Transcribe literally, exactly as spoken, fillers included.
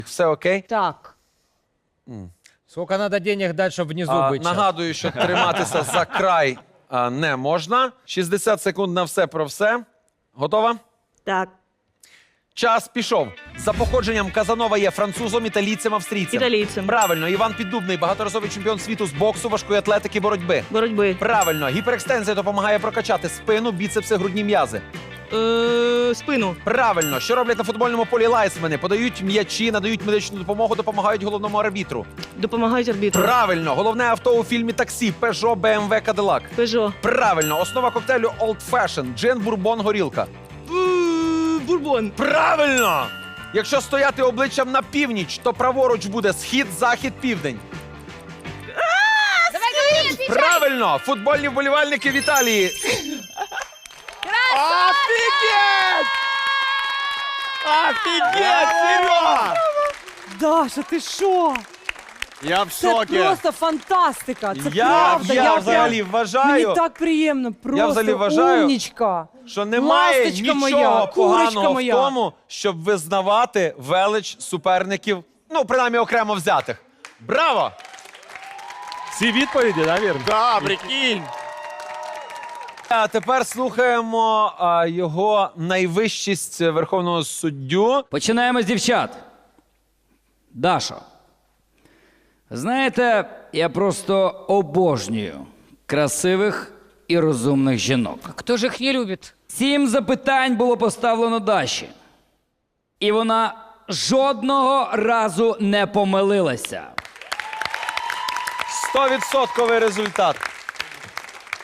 Все окей? Так. Сколько надо денег дать, чтобы внизу А, быть? нагадую, що триматися за край а, не можна. шістдесят секунд на все про все. Готова? Так. Час пішов. За походженням Казанова є французом, італійцем, австрійцем. Італійцем. Правильно. Іван Піддубний, багаторазовий чемпіон світу з боксу, важкої атлетики, боротьби. Боротьби. Правильно. Гіперекстензія допомагає прокачати спину, біцепси, грудні м'язи. Е, спину. Правильно. Що роблять на футбольному полі лайсмени? Подають м'ячі, надають медичну допомогу, допомагають головному арбітру. Допомагають арбітру. Правильно. Головне авто у фільмі «Таксі» – Peugeot, бе ем ве, Cadillac. Пежо. Правильно. Основа коктейлю Old Fashion – джин, бурбон, горілка. Е, бурбон. Правильно! Якщо стояти обличчям на північ, то праворуч буде схід, захід, південь. Давай, говори, отвечай. Правильно! Футбольні вболівальники в Італії. Офігеть! Офігеть, Серега! Даша, ти що? Я в Це шокі. просто фантастика. Це Я, правда. я прям- взагалі вважаю, Мені так приємно. Просто взагалі вважаю, умнічка. що немає Ласточка нічого моя, курочка поганого моя. в тому, щоб визнавати велич суперників, ну, принаймні окремо взятих. Браво! Всі відповіді, да, вірно? Да, прикинь. А тепер слухаємо а, його найвищість верховного суддю. Починаємо з дівчат. Дашо. Знаєте, я просто обожнюю красивих і розумних жінок. Хто ж їх не любить? Сім запитань було поставлено Даші. І вона жодного разу не помилилася. Стовідсотковий результат.